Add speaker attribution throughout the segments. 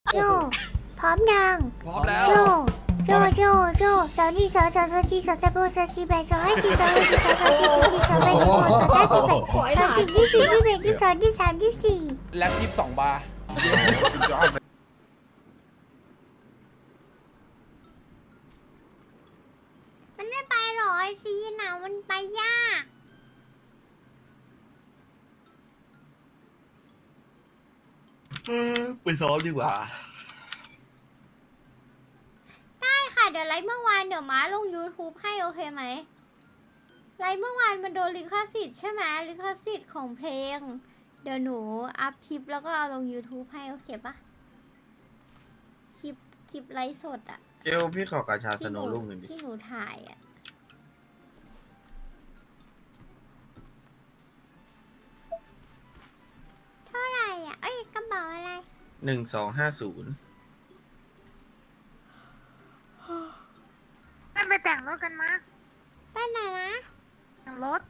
Speaker 1: โจพร้อมยัง
Speaker 2: พร้อมแล้ว
Speaker 1: โจสาวนี่สาวจีสาวตะโบสาวจีแบสาวให้จีสาวให้จีสาวจีสาวแบสาวสาวจีแบสาวจีที่4 ที่ 1 ที่ 2 ที่ 3 ที่ 4
Speaker 2: แล็บ22 บาร์
Speaker 1: มันไม่ไปหรอไอซีน่ะมันไปยาก
Speaker 3: ไปซ้อมดีกว่า
Speaker 1: ได้ค่ะเดี๋ยวไลฟ์เมื่อวานเดี๋ยวม้าลง YouTube ให้โอเคไหมไลฟ์เมื่อวานมันโดนลิขสิทธิ์ใช่ไหมลิขสิทธิ์ของเพลงเดี๋ยวหนูอัพคลิปแล้วก็เอาลง YouTube ให้โอเคปะคลิปไลฟ์สดอะ
Speaker 3: เกลพี่ขอกาชาสโนว์ลูกหนึ่งดิ
Speaker 1: ที่หนูถ่ายอะเท่าไหร่อะเอ้ยกระเป๋าอะไร
Speaker 3: 1250
Speaker 4: ไปแต่งรถกันมา
Speaker 1: ไปไหนนะ
Speaker 4: แต่งรถ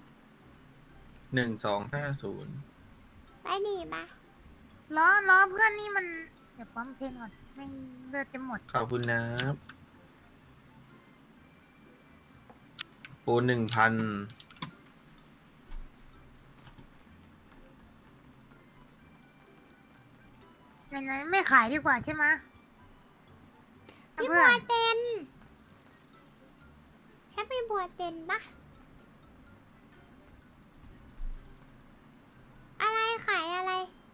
Speaker 3: 1250
Speaker 1: ไปดีปะ
Speaker 4: ล้อเพื่อนนี่มัน เดี๋ยวปั๊มเพลงก่อนไม่เลือดจะหมด
Speaker 3: ขอบคุณนะโปร1,000
Speaker 4: ไหนๆไม่ขายดีกว่าใช่ไหม
Speaker 1: พี่บั
Speaker 4: เพื่อ
Speaker 1: วน เต็นใช่พี่บัวเต็นปะอะไรขายอะไร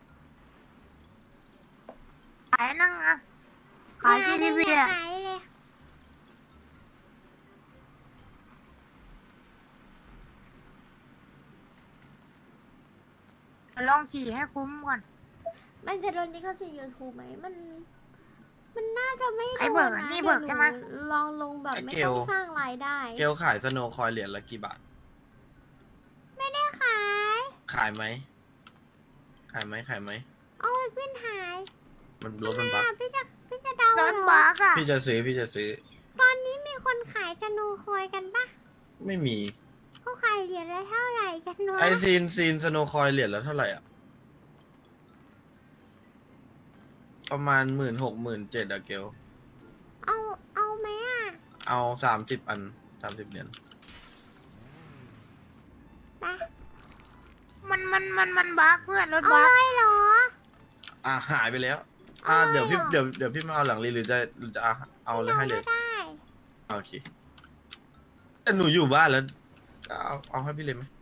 Speaker 4: ขายนั่งอะขายที่ทีวีอะ
Speaker 1: ขายเลย
Speaker 4: เดี๋ยวลองขี่ให้คุ้มก่อน
Speaker 1: มันจะโดนลิขสิทธิ์ยูทูบไหมมันน่าจะไม่โด
Speaker 4: ไอ้เบิ
Speaker 1: น
Speaker 4: กอะ
Speaker 1: นะ
Speaker 4: นี่เบิกใช่ไหม
Speaker 1: เดี๋ยวนูลองลงแบบไม่ต้องสร้างรายได้
Speaker 3: เกลขายสโนว์คอยเหรียญละกี่บาท
Speaker 1: ไม่ได้ขาย
Speaker 3: ขายไหม ขายไหม
Speaker 1: เอาไอ้ขึ้นหาย
Speaker 3: มันรถมันบัก
Speaker 1: พี่จะเดาร
Speaker 4: ถ
Speaker 1: เหรอ
Speaker 4: บักอะ
Speaker 3: พี่จะซื้อ
Speaker 1: ตอนนี้มีคนขายสโนว์คอยกันปะ
Speaker 3: ไม่มี
Speaker 1: เขาขายเหรียญละเท่าไหร่กันวะ
Speaker 3: ไอซีนสโนว์คอยเหรียญละเท่าไหร่อ่ะ ประมาณ16,000-17,000อะเกล
Speaker 1: เอาไหมอ่ะ
Speaker 3: เอา30 อัน 30 เหรียญ
Speaker 1: ไป
Speaker 4: มันบักเพื่อนรถ
Speaker 1: เอา
Speaker 4: บัก
Speaker 1: เลยเหรอ
Speaker 3: หายไปแล้ว
Speaker 1: เอาเลย
Speaker 3: เดี๋ยวพี่
Speaker 1: เหรอ
Speaker 3: เดี๋ยวพี่มาเอาหลังรีหรือจะเอาเลยให้เลย
Speaker 1: ไม่ได้
Speaker 3: โอเคแต่หนูอยู่บ้านแล้ว เอาให้พี่เลยไหม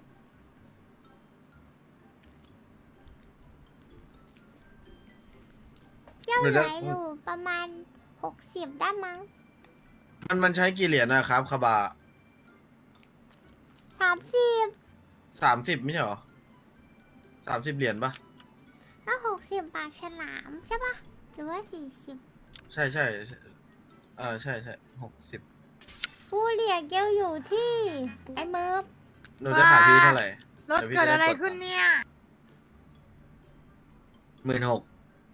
Speaker 1: เจ้า
Speaker 3: เดี๋ยว
Speaker 1: ไหน
Speaker 3: นะ
Speaker 1: อยู่ประมาณ60ได้มั้ง
Speaker 3: มันใช้กี่เหรียญนะครับคาบา
Speaker 1: 30
Speaker 3: 30ไม่ใช่หรอ30 เหรียญปะ
Speaker 1: แล้ว60ปากฉลามใช่ปะหรือว่า40
Speaker 3: ใช่ใช่60
Speaker 1: ผู้เรียกเกลอยู่ที่ไอ้เมิร์ฟ
Speaker 3: หนูจะขายพี่เท่าไหร่
Speaker 4: รถเกิดอะไรขึ้นเนี่ย
Speaker 3: 16,000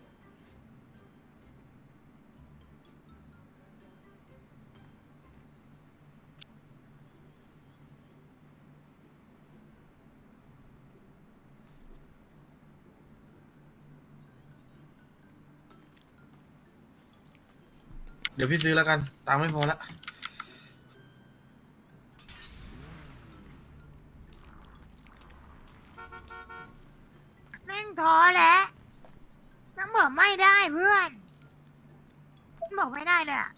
Speaker 3: เดี๋ยวพี่ซื้อแล้วกัน ตังค์ไม่พอละ
Speaker 4: แม่งท้อแล้วน้ำบอกไม่ได้เพื่อนบอกไม่ได้เลยอะ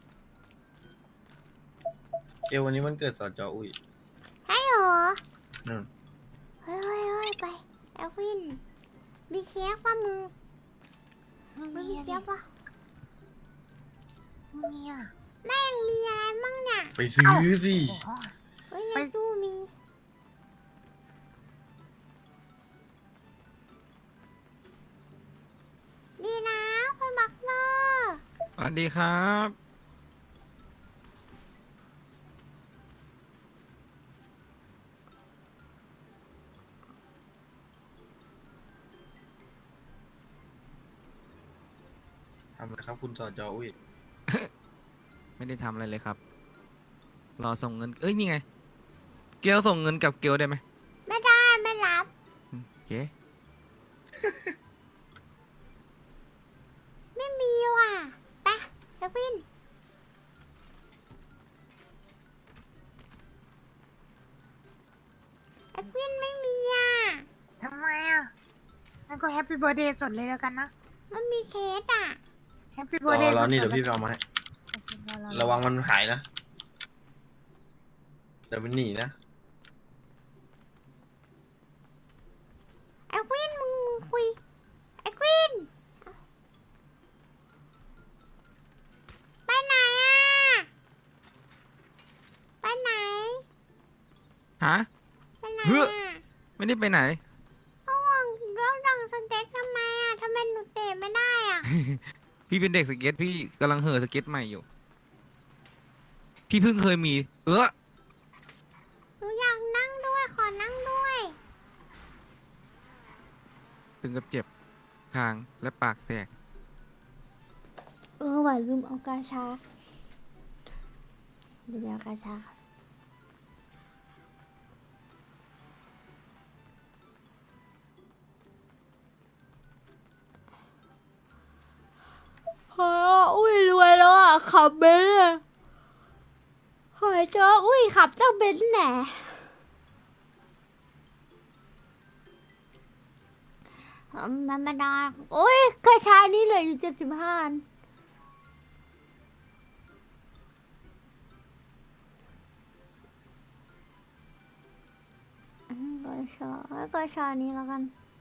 Speaker 3: เกลวันนี้มันเกิดสจอุ้ย
Speaker 1: ให้เหรอ
Speaker 3: นู่น
Speaker 1: เฮ้ยไปแอลวินมีเค้กป่ะมึงมีเค้กป่ะ
Speaker 4: เนี่ย
Speaker 1: แม่งมีอะไรมั่งเนี่ย
Speaker 3: ไปซื้อสิ
Speaker 4: โอ้โห
Speaker 1: เฮ้ยใน
Speaker 4: ไป
Speaker 1: ตู้มี ดีนะคุณบักเนอร์
Speaker 5: สวัสดีครับ
Speaker 3: ทำอะไรครับคุณสจอุ้ย
Speaker 5: ไม่ได้ทำอะไรเลยครับ รอส่งเงิน เอ้ย นี่ไง เกลส่งเงินกับเกลได้ไหม
Speaker 1: ไม่ได้ไม่รับ
Speaker 5: โอเค
Speaker 1: ไม่
Speaker 4: งั้นก็แฮปปี้เบิร์ดเดย์สดเลยแล้วกันนะ
Speaker 1: มันมีเคสอ่ะ
Speaker 4: แฮปปี้
Speaker 3: ร
Speaker 4: เบิร์ดเด
Speaker 3: อ
Speaker 4: ย์
Speaker 3: ร
Speaker 4: ส
Speaker 3: อ
Speaker 4: ด
Speaker 3: นี่เดี๋ยวพี่ไปเอามาให้ระวังมันหายนะเดี๋ยวมันหนีนะ
Speaker 1: ไอ้ควินมึงคุย ไอ้ควินไปไหนอ่ะ ไปไหน
Speaker 5: ฮะ
Speaker 1: ไปไหน
Speaker 5: เฮ้ย
Speaker 1: อ่ะ
Speaker 5: ไม่ได้ไปไหน
Speaker 1: เขาห่วงเรื่องดังสเต็กทำไมอ่ะทำไมหนูเตะไม่ได้อ่ะ
Speaker 5: พี่เป็นเด็กสเก็ตพี่กำลังเห่อสเก็ตใหม่อยู่ พี่เพิ่งเคยมี
Speaker 1: หนูอยากนั่งด้วย ขอนั่งด้วย
Speaker 5: ถึงกับเจ็บคางและปากแตก
Speaker 1: ว่ะลืมเอากาชาเดี๋ยวเอากาชาค่ะเฮ้ยอุ้ยรวยแล้วอ่ะ ขับเบนซ์อะเฮ้ยเจ้าอุ้ยขับเจ้าเบนซ์แหน่มันไม่ได้โอ้ยกระชายนี่เหลืออยู่75 อันก็ชอนี้แล้วกัน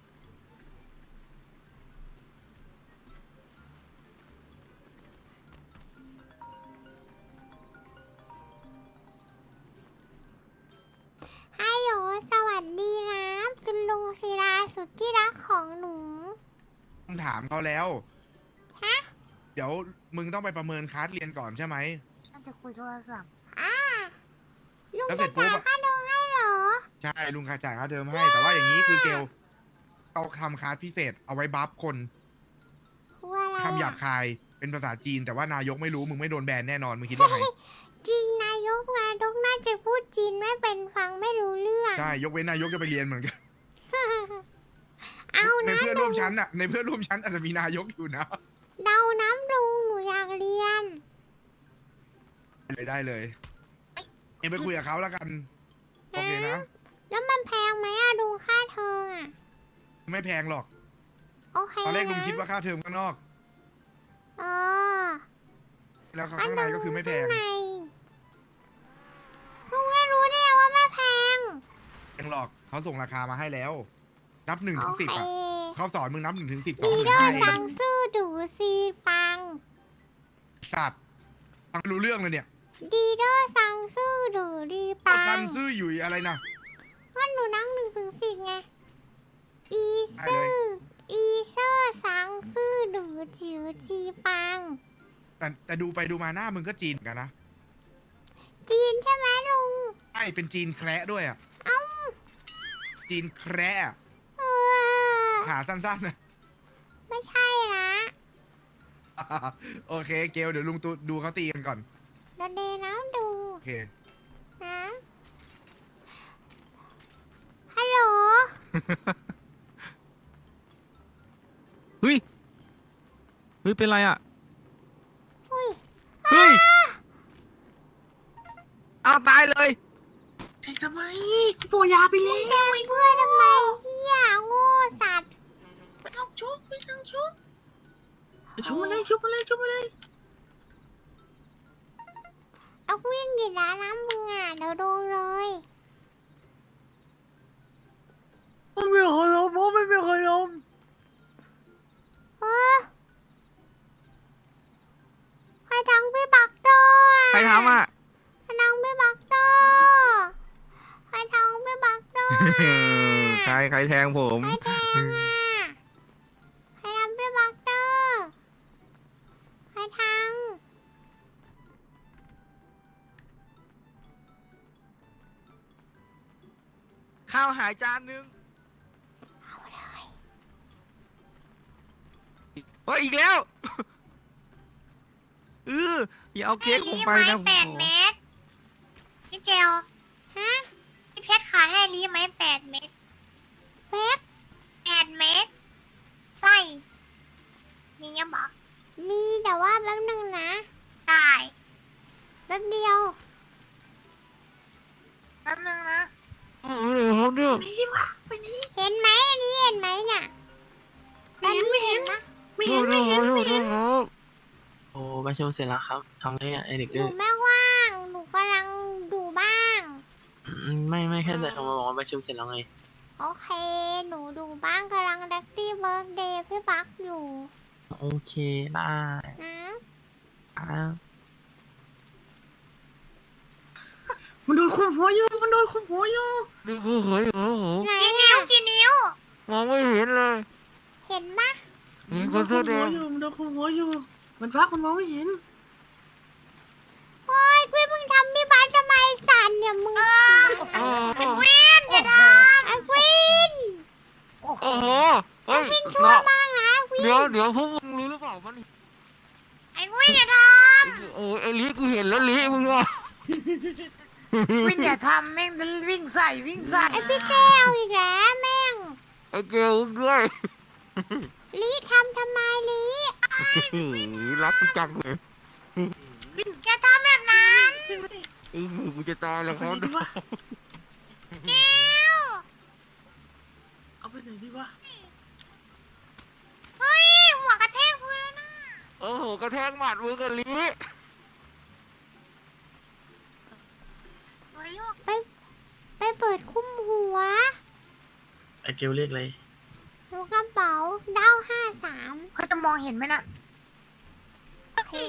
Speaker 1: ฮัลโหลสวัสดีนะคุณลุงศิลาสุดที่รักของหนู
Speaker 2: ต้องถามเขาแล้ว
Speaker 1: ฮะ
Speaker 2: เดี๋ยวมึงต้องไปประเมินคลาสเรียนก่อนใช่ไหม
Speaker 4: น่าจะคุยโทรศัพท์
Speaker 1: ลุง
Speaker 2: แล้วเสร็
Speaker 1: จะ
Speaker 2: จปุ๊
Speaker 1: จ่าย
Speaker 2: บอะ
Speaker 1: ค่าดองให้เหรอ
Speaker 2: ใช่ ลุงค่าจ่ายค่าเทอมให้ แต่ว่าอย่างนี้คือเกลเราทำคลาสพิเศษเอาไว้บัฟคน
Speaker 1: คืออะไร
Speaker 2: คำหยาบ
Speaker 1: อะ
Speaker 2: คายเป็นภาษาจีน แต่ว่านายกไม่รู้มึงไม่โดนแบนแน่นอน มึงคิดว่าไง
Speaker 1: จริงนายกน่าจะพูดจีนไม่เป็นฟังไม่รู้เรื่อง
Speaker 2: ใช่ ยกเว้นนายกจะไปเรียนเหมือนกัน
Speaker 1: เอา
Speaker 2: ใน
Speaker 1: นะ
Speaker 2: เพื่อนร่วมชั้นอะในเพื่อนร่วมชั้นอาจจะมีนายกอยู่นะ
Speaker 1: เดาน้ำลุงหนูอยากเรียน
Speaker 2: เลยได้เลยเอ็งไปคุยกับเขาแล้วกัน โอเคนะ
Speaker 1: แล้วมันแพงไหมอะดูค่าเทอมอะ
Speaker 2: ไม่แพงหรอก
Speaker 1: โอเค
Speaker 2: ตอนแรกลุง
Speaker 1: นะ
Speaker 2: คิดว่าค่าเทอมข้างนอก
Speaker 1: อ๋อ
Speaker 2: แล้วข้างในก็คือไม่แพง
Speaker 1: ข้างในลุงไม่รู้ได้ไงว่าไม่แพง
Speaker 2: แพงหรอกเขาส่งราคามาให้แล้ว นับ1
Speaker 1: โอ
Speaker 2: ถึง
Speaker 1: เค
Speaker 2: 10อะเขาสอนมึงนับ1 ถึง 10 2
Speaker 1: ดี
Speaker 2: ถึง
Speaker 1: เดอร์
Speaker 2: 5
Speaker 1: สั่งซื่อดูซีปัง
Speaker 2: สัตว์ฟังไม่รู้เรื่องเลยเนี่ย
Speaker 1: ดีเดอร์สั่งซื่อดูดีปั
Speaker 2: ซั
Speaker 1: ง
Speaker 2: นซื่อหยุยอะไรนะ
Speaker 1: ก็หนูนั่ง1 ถึง 10ไง อี
Speaker 2: ได้
Speaker 1: ซื่
Speaker 2: เล
Speaker 1: อย อีเซอร์สั่งซื่อดูจิ๋วจีปัง
Speaker 2: แต่ดูไปดูมาหน้ามึงก็จีนเหมือนกันนะ
Speaker 1: จีนใช่ไหมลุง
Speaker 2: ใช่เป็นจีนแคระด้วยอ่ะ
Speaker 1: เอ้า
Speaker 2: จีนแคระอะ
Speaker 1: เออ
Speaker 2: หาสั้นๆนะ
Speaker 1: ไม่ใช่นะ
Speaker 2: โอเคเกลเดี๋ยวลุงตูดูเขาตีกันก่อน
Speaker 1: เดยวเดน้ำดู
Speaker 2: โอเค
Speaker 1: นะฮัลโหล
Speaker 5: เฮ้ย เฮ้ย เป็นไรอ่ะ
Speaker 1: อุ้ย
Speaker 5: เฮ้ย เอาตายเลย
Speaker 1: มึงแทงเพื่อนทำไมเฮียโง่สัตว์
Speaker 3: ชุบมาเลยชุบมาเลย
Speaker 1: เอาวิ่งกี่ล้านน้ำมึงอ่ะเดี๋ยวโดนเลย
Speaker 4: ไม่มีใครล้มเพราะไม่มีใครล้ม
Speaker 1: เออใครทังพี่บักเตอร์
Speaker 5: ใครทำอ่ะ
Speaker 1: ใครทังพี่บักเตอร์ใครทังพี่บักเตอร์
Speaker 5: ใครแทงผม
Speaker 1: ใครแทงอ่ะใครทำพี่บักเตอร์ใครทัง
Speaker 5: ข้าวหายจานนึง
Speaker 1: เอาเลย
Speaker 5: เฮ้ย อีกแล้วอย่าเอาเค้กผมไปนะผม
Speaker 4: แปด
Speaker 5: ขอ
Speaker 4: เม็ดพี่เจล
Speaker 1: ฮะ
Speaker 4: พี่เพชรขายให้รีไหม8 เม็ด
Speaker 1: เป๊ก
Speaker 4: 8 เม็ดไส้มียังบอก
Speaker 1: มีแต่ว่าแป๊บนึงนะ
Speaker 4: ได้
Speaker 1: แป๊บเดียว
Speaker 4: แป๊บนึงนะ
Speaker 5: ครับเนี่ย
Speaker 1: เห็นไหมอันนี้เห็นไหมน่ะ
Speaker 4: ไม่เห็นไม่เห็นไม่เห็น
Speaker 6: โอ้ประชุมเสร็จแล้วครับทำได้ไอเด็ก
Speaker 1: ห
Speaker 6: ดื้
Speaker 1: นู
Speaker 6: อ
Speaker 1: ไม่ว่าง หนูกำลังดูบ้าง
Speaker 6: ไม่แค่แต่โทรมาบอกว่าประชุมเสร็จแล้วไง
Speaker 1: โอเค หนูดูบ้างกำลังดักตี้เบิร์กเดย์พี่บักอยู่
Speaker 6: โอเคได้
Speaker 1: นะ
Speaker 6: ครับ
Speaker 4: มันโดนคุมหัวอยู่มันโดนคุมหัวอยู่
Speaker 5: นี่คือเฮ้ยโอ้โห
Speaker 1: ไหน
Speaker 4: กี่นิ้ว
Speaker 1: อะ
Speaker 4: กี่นิ้ว
Speaker 5: มองไม่เห็นเลย
Speaker 1: เห็นปะ
Speaker 5: นี่
Speaker 4: มัน
Speaker 5: คน
Speaker 4: โด
Speaker 5: เสื้อน แด
Speaker 4: คุมหัว
Speaker 5: ง
Speaker 4: อยู่มันโดนคุมหัวอยู่ มันพักมันมองไม่เห็น
Speaker 1: โอ้ยกุ้ยมึงทำพี่บักทำไมสั่นเนี่ยมึง
Speaker 5: โอ้โห
Speaker 4: อย่าท
Speaker 1: ไอ้ควิน
Speaker 5: โอ้โหเฮ้ย
Speaker 1: ชั่วมากนะควิน
Speaker 5: เดี๋ยวพวกมึงรู้หรือเปล่ามัน
Speaker 4: ำไอ้วินอย่าท
Speaker 5: โอ้ยไอ้ลิกูเห็นแล้วลิมึงอ่ะ
Speaker 4: ำวินอย่าทำแม่งวิ่งใส่วิ่งใส่
Speaker 1: ไอ้พี่แก้วอีกแล้วแม่ง
Speaker 5: ไอ้เกลด้วย
Speaker 1: ลีทำไมลี
Speaker 5: รักกูจังเลย
Speaker 4: อย่าทำแบบนั้น
Speaker 5: กูจะตายแล้วครับ
Speaker 4: แก้ว
Speaker 6: เอาไปไหนดีวะ
Speaker 4: เฮ้ยหัวกระแทกพื้นแล้วนะ
Speaker 5: โอ้โหกระแทกหมัดมือกับลิ
Speaker 4: เฮ้ยลูก
Speaker 1: ไปเปิดคุ้มหัว
Speaker 6: ไอเกลเรียกอะไร
Speaker 1: หนูกระเป๋าเด้า53
Speaker 4: เขาจะมองเห็นไหมน่ะเฮ้ย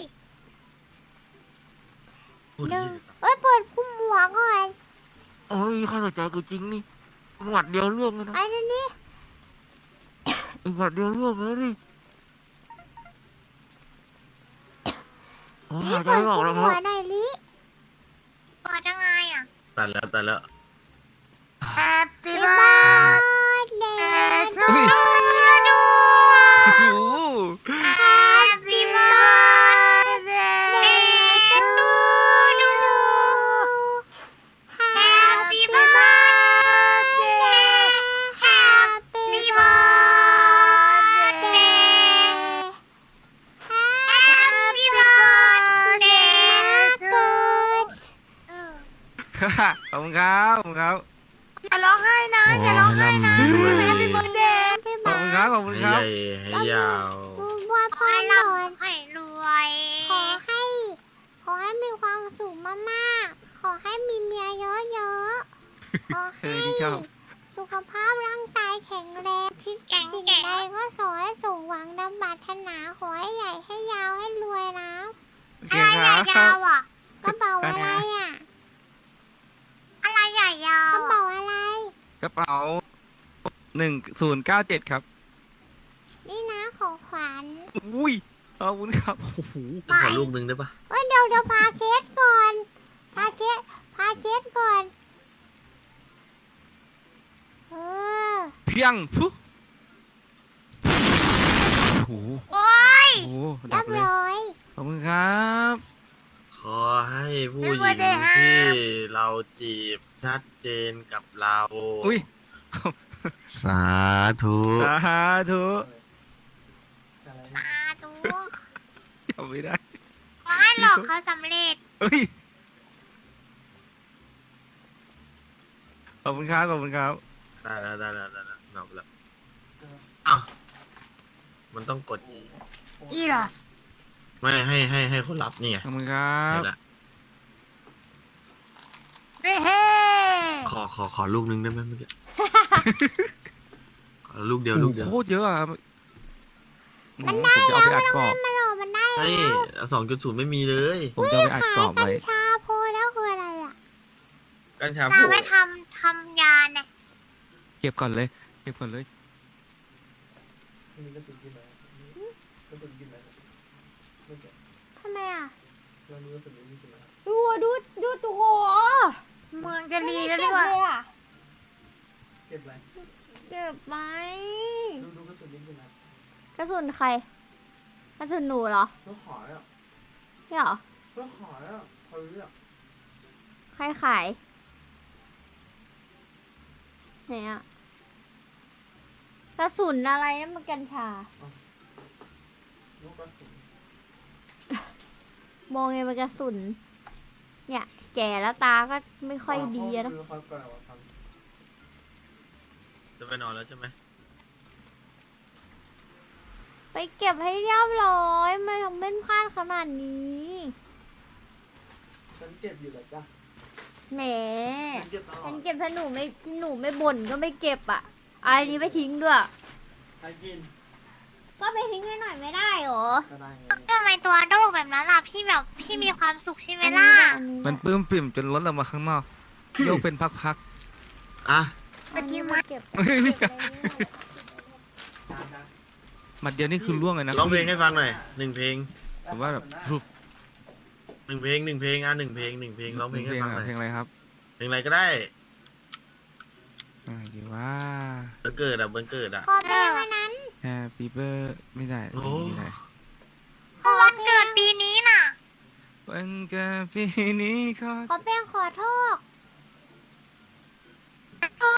Speaker 6: พูด
Speaker 1: เดิ
Speaker 6: ดี
Speaker 1: นเอ้ยเปิดคุ้มหัวก่อน
Speaker 5: โอ้ยข้าสนใจกูจริงนี่หมัดเดียวเรื่องเลยนะ
Speaker 1: ไอ้นี่
Speaker 5: อีกหมัดเดียวเรื่องเลยดิโอ้ย
Speaker 1: ลี
Speaker 5: หายใจ
Speaker 1: เปิด
Speaker 5: ไม่ออก
Speaker 1: คุ้ม
Speaker 5: แล้วค
Speaker 1: หั
Speaker 5: รั
Speaker 1: ว
Speaker 5: บ
Speaker 1: หน่อยลี
Speaker 4: เปิดยังไงอ่ะ
Speaker 6: ตัดแล้ว
Speaker 4: Happy
Speaker 1: บ๊ายบาย birthday to
Speaker 5: เฮ้ย
Speaker 1: you
Speaker 5: โอ้โห
Speaker 4: Happy birthday to you Happy birthday Happy birthday Happy birthday to
Speaker 5: ขอบคุณครับขอบคุณครับ
Speaker 4: อย่าร้องไห้นะอย่าร้องไห้นะ
Speaker 6: โอ้ยร่ำรวย
Speaker 4: Happy birthday
Speaker 5: ขอบคุณครับขอบคุณ
Speaker 6: ให้
Speaker 5: ครั
Speaker 6: ให
Speaker 5: บ
Speaker 6: ญ่ให้ยาว
Speaker 1: บัวพรหน่อย
Speaker 4: ให้รวย
Speaker 1: ขอให้มีความสุขมากๆ ขอให้มีเมียเยอะๆ ขอให้
Speaker 5: ที่ชอบ
Speaker 1: สุขภาพร่างกายแข็งแรงที่สิ่งใดก็ขอให้สมหวังดังปรารถนา ขอให้ใหญ่ให้ยาวให้รวยนะ
Speaker 5: โอเค
Speaker 4: อะไร
Speaker 5: ค
Speaker 4: ให
Speaker 5: รั
Speaker 4: ญ่
Speaker 5: บ
Speaker 4: ยาวอ่ะ
Speaker 1: กระเป๋าอะไรอ่ะ
Speaker 4: อะไรใหญ่ยาก ว
Speaker 1: ระเป๋าอะไร
Speaker 5: กระเป๋า1097ครับ
Speaker 1: นี่นะของขวัญ
Speaker 5: อุ้ยขอบคุณครับโอ้โห
Speaker 6: ขอลูกนึงได้ปะ
Speaker 1: เดี๋ยวพาเคสก่อน พาเคสก่อน เออ
Speaker 5: เพียงพุโอ้โห
Speaker 4: โอ้ย
Speaker 5: โอ้โห
Speaker 1: เรี
Speaker 5: ดั
Speaker 1: ย
Speaker 5: บบ เลย
Speaker 1: ร้อย
Speaker 5: ขอบคุณครับ
Speaker 6: ขอให้ผู้หญิงที่เราจีบชัดเจนกับเรา
Speaker 5: อุ้ย
Speaker 6: สาธุ
Speaker 5: สาธุ
Speaker 4: ตาดู
Speaker 5: จำไม่ได้
Speaker 4: ขอให้หลอกเขาสำเร็จ
Speaker 5: อุ้ยขอบคุณครับขอบคุณครับ
Speaker 6: ได้แล้วนอกแล้วอ้าวมันต้องกดอีก
Speaker 4: อีเหรอ
Speaker 6: ไม่ให้คนรับนี่ไง
Speaker 5: ขอบคุณครับ
Speaker 6: นี่แหละ
Speaker 4: เฮ้เฮ้
Speaker 6: ขอลูกนึงได้ไหมเมื่อกี้ ขอลูกเดียว
Speaker 5: โอ้
Speaker 6: ลู
Speaker 5: โห
Speaker 6: กเดียว
Speaker 5: โคตรเยอะอะครับ
Speaker 1: มันได้
Speaker 5: ผมจะเอาไปอัดกรอบ
Speaker 1: มันออกมันได้
Speaker 6: เฮ้ย2.0ไม่มีเลย
Speaker 5: ผมจะเอาไปอัดกรอบ
Speaker 1: กั
Speaker 5: ไว้
Speaker 1: ญชาโพแล้วคืออะไรอ่ะ
Speaker 6: กัญชา
Speaker 4: ตา
Speaker 6: พู
Speaker 4: ไปทำยาเนี่ย
Speaker 5: เก็บก่อนเลยเก็บก่อนเลย
Speaker 1: ทำไมอ่ะดูตัวโห
Speaker 4: เมืองจะรีแล้ว
Speaker 1: เก็
Speaker 4: ด้
Speaker 1: บ
Speaker 4: วย
Speaker 1: เลยอ่ะ
Speaker 2: เก็บอะไร
Speaker 1: เก็บไหม
Speaker 2: ดูกระสุนนิดนึงนะ
Speaker 1: กระสุนใคร กระสุนหนูเหรอ
Speaker 2: ก็ขายอ่ะ
Speaker 1: นี่เหรอ
Speaker 2: ก็ขายอ่ะเขาเรียก
Speaker 1: ใครขายไหนอ่ะ กระสุนอะไรนั่นมันกัญชา
Speaker 2: ลูกกระสุน
Speaker 1: มองไงมันกระสุน เนี่ย แก่แล้วตาก็ไม่ค่อยดีอะนะ
Speaker 2: คือเขาก่อนว่าท
Speaker 6: จะไปนอนแล้วใช่ไหม
Speaker 1: ไปเก็บให้เรียบร้อยไม่ทำเป็นพลาดขนาดนี้
Speaker 6: ฉันเก็บอยู่แล้วจ้ะ
Speaker 1: แหม
Speaker 6: ฉันเก็บตลอ
Speaker 1: ฉั
Speaker 6: ด
Speaker 1: นเก็บถ้าหนูไม่บ่นก็ไม่เก็บอ่ะอันนี้ไปทิ้งด้วย
Speaker 6: ใครกิน
Speaker 1: ก็ไปทิ้งให้หน่อยไม่ได้หรอ
Speaker 6: ก็ได้ไง
Speaker 4: ทำไมตัวโดกแบบนั้นล่ะพี่แบบพี่มีความสุขใช่ไหมล่ะ
Speaker 5: มันปลื้มปริ่มจนล้นออกมาข้างนอก โยกเป็นพัก
Speaker 6: อ่ะ
Speaker 1: อันนี้มาเก็บ
Speaker 5: ไม่ใช่
Speaker 1: เก็บไว้นี่
Speaker 5: ๆหมัดเดียวนี่คือล่วงเลยนะ
Speaker 6: ร้องเพลงให้ฟังหน่อยหนึ่งเพลง
Speaker 5: ผมว่าแบบรูป
Speaker 6: หนึ่งเพลงอ่ะหนึ่งเพลงร้องเพลงให้ฟังหน่อย
Speaker 5: เพลงอะไรครับ
Speaker 6: เพลงอะไรก็ได้
Speaker 5: ดีว่า
Speaker 6: วันเกิดอ่ะวันเกิดอ่ะ
Speaker 1: ขอเพลงอันนั้น
Speaker 5: Happy Birthday ไม่ได้
Speaker 6: โอ้
Speaker 5: ไม่ได้
Speaker 4: วันเกิดปีนี้น่ะ
Speaker 5: วันเกิดปีนี้ขอ
Speaker 1: ขอเพลงขอโทษ
Speaker 5: ขอ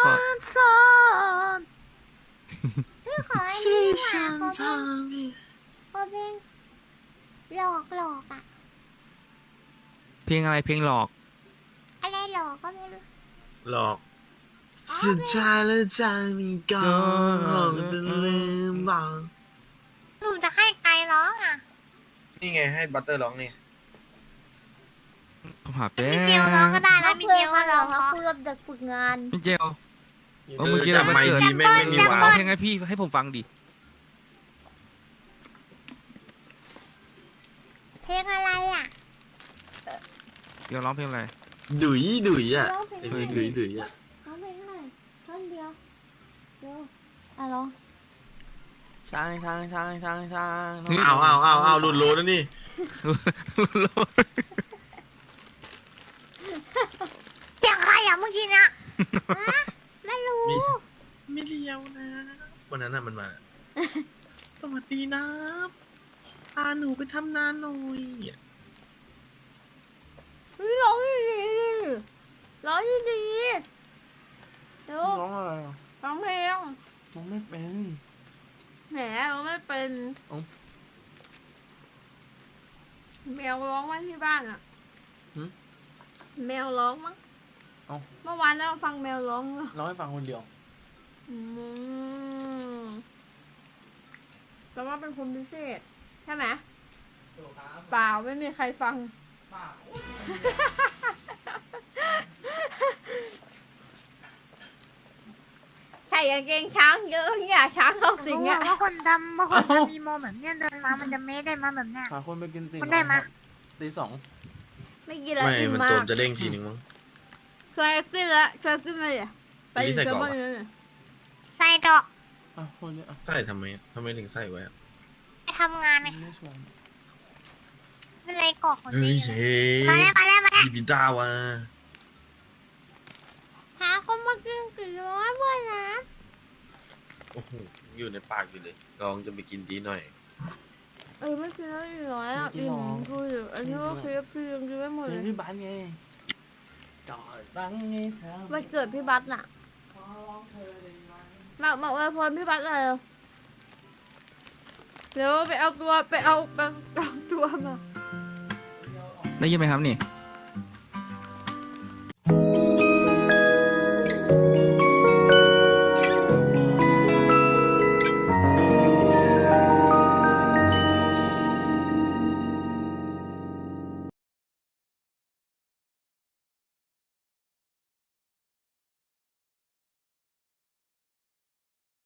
Speaker 1: พี่ขออันนี้ดีกว่าขอเพลงหลอกอ่ะ
Speaker 5: เพลงอะไรเพลงหลอก
Speaker 1: อะไรหลอกก็ไม่รู้
Speaker 6: หลอกสุดท้ายแล้วใจมีก่อนจะลืมบอก
Speaker 4: หนูจะให้ไกลร้องอ่ะ
Speaker 3: นี่ไงให้บัตเตอร์ร้องนี่
Speaker 5: ผมหาแป๊
Speaker 4: มีเจลร้องก็ได้นะ
Speaker 1: ถ้า
Speaker 4: มี
Speaker 1: เพื่
Speaker 4: เจ
Speaker 1: อน
Speaker 4: ล
Speaker 1: เขา
Speaker 4: ก็ร้อง
Speaker 1: เขา
Speaker 4: เพราะ
Speaker 1: เพื่อจะฝึกงาน
Speaker 5: พี่เจล เมื่อกี้เรา
Speaker 6: ทำไม
Speaker 5: วันเกิด
Speaker 6: ดีแม่งไม่มี
Speaker 4: แซมเปิ้ล
Speaker 6: วา
Speaker 5: ร้อง
Speaker 6: ง
Speaker 5: เพลงให้พี่ให้ผมฟังดิ
Speaker 1: เพลงอะไรอ่ะ
Speaker 5: เดี๋ยวร้องเพลงอะไร
Speaker 6: ดุยอ่ะ
Speaker 1: ร้องเพลง
Speaker 6: ไอ้
Speaker 1: ให้ห
Speaker 6: เพล
Speaker 1: น่
Speaker 6: ง
Speaker 1: อย
Speaker 6: ดุยอ่ะ
Speaker 1: ร้องเพลงให้หน่อยท่อนเดียวเดี๋ยวอ่ะร้อง
Speaker 7: ช้างช้างช้างช้างช้าง
Speaker 5: เฮ้ย
Speaker 6: เอาหลุดโลแล้วนี่
Speaker 4: เสียงใครอ่ะเมื่อกี้เนี่ย
Speaker 1: ไม่รู้
Speaker 6: ไม่เลี้ยวนะ วันนั้นน่ะมันมา สวัสดีนะพาหนูไปทำงานหน่อย
Speaker 1: เฮ้ยร้องดีๆร้องดีๆเดี๋ยว
Speaker 7: ร้องอะไรอ่ะ
Speaker 1: ร้องเพลง
Speaker 7: ร้องไม่เป็น
Speaker 1: แหมร้องไม่เป็น
Speaker 7: เอ้า
Speaker 1: แมวร้องไว้ที่บ้านอ่ะ
Speaker 7: หึ
Speaker 1: แมวร้องมั้ง
Speaker 7: เอ้า
Speaker 1: เมื่อวานเราฟังแมวร้องเหรอ
Speaker 7: ร้องให้ฟังคนเดียว
Speaker 1: อืมแปลว่าเป็นคนพิเศษใช่ไหมเปล่าไม่มีใครฟัง ใส่กางเกงช้างเยอะอย่าช้างเข้าสิง
Speaker 4: รู้
Speaker 1: อ่ะ
Speaker 4: ว่าคนทำมีโมแบบเนี้ยเดินมามันจะเมได้มาแบบเนี้ย
Speaker 7: หาคนไปกินตี
Speaker 4: คุณได้มา
Speaker 7: ตีสอง
Speaker 1: ไม่กินแล้ว
Speaker 6: ไม่
Speaker 1: อิ่ม
Speaker 6: มัน
Speaker 1: มา
Speaker 6: โต
Speaker 1: ก
Speaker 6: มจะเด้งทีนึงมั้ง
Speaker 1: ช่วยกินแล้วช่วยกินมาเลยไป
Speaker 6: อันนี้ใส่
Speaker 1: เชื่
Speaker 6: กรอบ
Speaker 1: บ้าน
Speaker 6: อะ
Speaker 1: เลย
Speaker 4: ใส่ดอก
Speaker 7: อ่ะคนนี้อ่ะ
Speaker 6: ใส่ทำไมถึงใส่ไว้อะ
Speaker 4: ไปทำงานไง
Speaker 7: ไม่ชวน
Speaker 4: เป็นไรกอกคน
Speaker 6: เฮ้
Speaker 4: นี้
Speaker 6: ยเฮ้ย
Speaker 4: มาแล้ว
Speaker 6: พี่ปิต้าวะ
Speaker 1: หาคนมากินกี่ร้อยเพื่อนนะ
Speaker 6: โอ้โหอยู่ในปากอยู่เลยลองจะไปกินดีหน่อย
Speaker 1: ไม่กินแล้วอีกร้อยอ่ะอิ่มคืออันนี้ก็คือพี่ยังกินไม่หมด
Speaker 7: เพล
Speaker 1: เล
Speaker 7: ง
Speaker 1: ย
Speaker 7: พี่บ้านไงจอดบังไงสาว
Speaker 1: วันเกิดพี่บัสน่ะ
Speaker 7: ขอร้องเธอได้ไหม
Speaker 1: มาอวยพรพี่บัสเลยเดี๋ยวไปเอาตัวมา
Speaker 5: ได้ยินไหมครับนี่